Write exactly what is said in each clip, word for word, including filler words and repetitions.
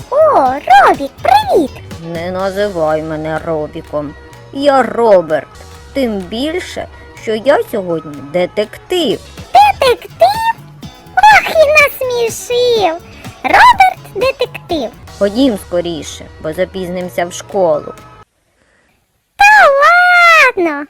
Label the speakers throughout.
Speaker 1: О, Робік, привіт!
Speaker 2: Не називай мене Робіком. Я Роберт. Тим більше, що я сьогодні детектив.
Speaker 1: Детектив? Ох, і насмішив! Роберт детектив.
Speaker 2: Ходім скоріше, бо запізнимося в школу.
Speaker 1: Та ладно!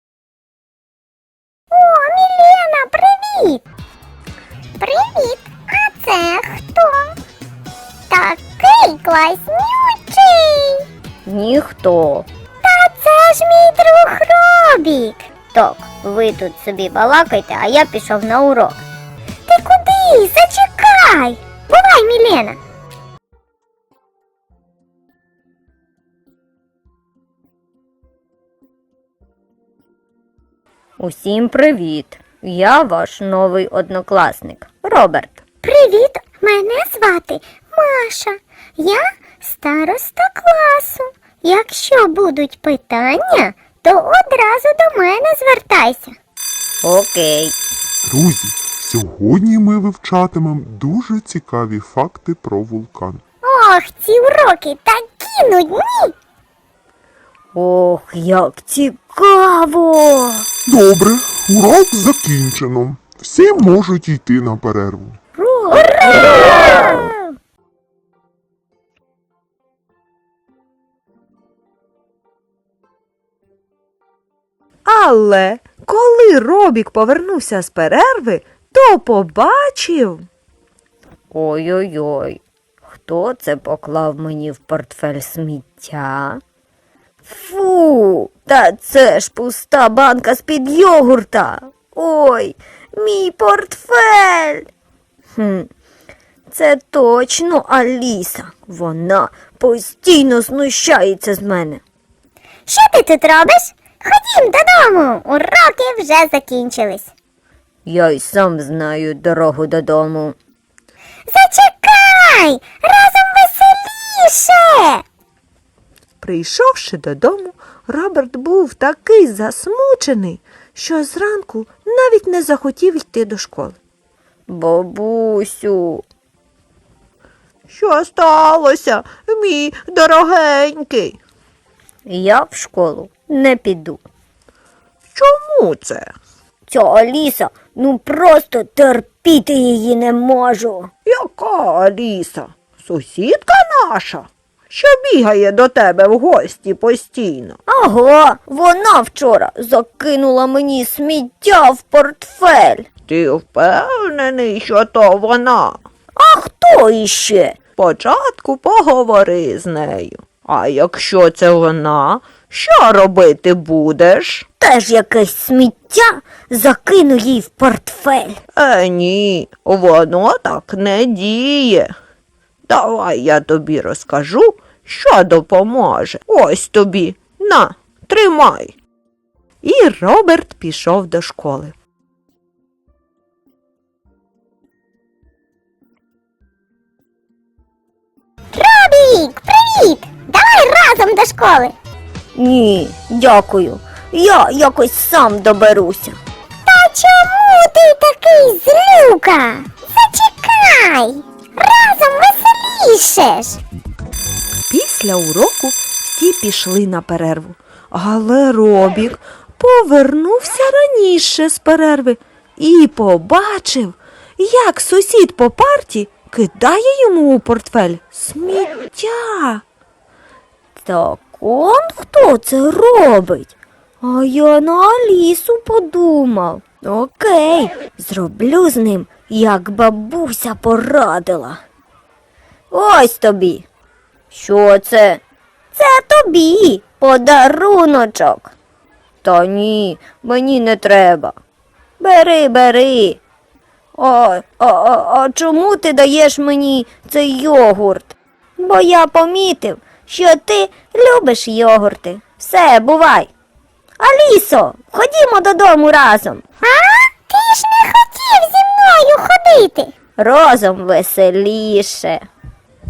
Speaker 1: О, Мілена, привіт! Привіт! А це хто? Такий класнючий!
Speaker 2: Ніхто.
Speaker 1: Та це ж мій друг Робік!
Speaker 2: Так, ви тут собі балакайте, а я пішов на урок.
Speaker 1: Ти куди? Зачекай! Бувай, Мілена!
Speaker 2: Усім привіт! Я ваш новий однокласник, Роберт.
Speaker 1: Привіт! Мене звати Маша. Я староста класу. Якщо будуть питання, то одразу до мене звертайся.
Speaker 2: Окей.
Speaker 3: Друзі, сьогодні ми вивчатимемо дуже цікаві факти про вулкан.
Speaker 1: Ох, ці уроки такі нудні!
Speaker 2: Ох, як цікаво!
Speaker 3: Добре, урок закінчено. Всі можуть йти на перерву.
Speaker 4: Але коли Робік повернувся з перерви, то побачив.
Speaker 2: Ой-ой-ой, хто це поклав мені в портфель сміття? Фу, та це ж пуста банка з-під йогурта. Ой, мій портфель. Хм, це точно Аліса. Вона постійно знущається з мене.
Speaker 1: Що ти тут робиш? Ходім додому, уроки вже закінчились.
Speaker 2: Я й сам знаю дорогу додому.
Speaker 1: Зачекай, разом веселіше.
Speaker 4: Прийшовши додому, Роберт був такий засмучений, що зранку навіть не захотів йти до школи.
Speaker 2: Бабусю.
Speaker 4: Що сталося, мій дорогенький?
Speaker 2: Я в школу не піду.
Speaker 4: Чому це?
Speaker 2: Ця Аліса, ну просто терпіти її не можу.
Speaker 4: Яка Аліса? Сусідка наша, що бігає до тебе в гості постійно.
Speaker 2: Ага, вона вчора закинула мені сміття в портфель.
Speaker 4: Ти впевнений, що то вона?
Speaker 2: А хто іще?
Speaker 4: Спочатку поговори з нею. А якщо це вона, що робити будеш?
Speaker 2: Теж якесь сміття закину їй в портфель.
Speaker 4: Е, ні, воно так не діє. Давай я тобі розкажу, що допоможе. Ось тобі, на, тримай. І Роберт пішов до школи.
Speaker 1: Робік, привіт! Давай разом до школи.
Speaker 2: Ні, дякую. Я якось сам доберуся.
Speaker 1: Та чому ти такий злюка? Зачекай, разом веселіше ж.
Speaker 4: Після уроку всі пішли на перерву. Але Робік повернувся раніше з перерви і побачив, як сусід по парті кидає йому у портфель сміття.
Speaker 2: Так он хто це робить? А я на Алісу подумав. Окей, зроблю з ним, як бабуся порадила. Ось тобі. Що це? Це тобі подаруночок. Та ні, мені не треба. Бери, бери. А, а, а, а чому ти даєш мені цей йогурт? Бо я помітив, що ти любиш йогурти. Все, бувай. Алісо, ходімо додому разом.
Speaker 1: А? Ти ж не хотів зі мною ходити.
Speaker 2: Разом веселіше.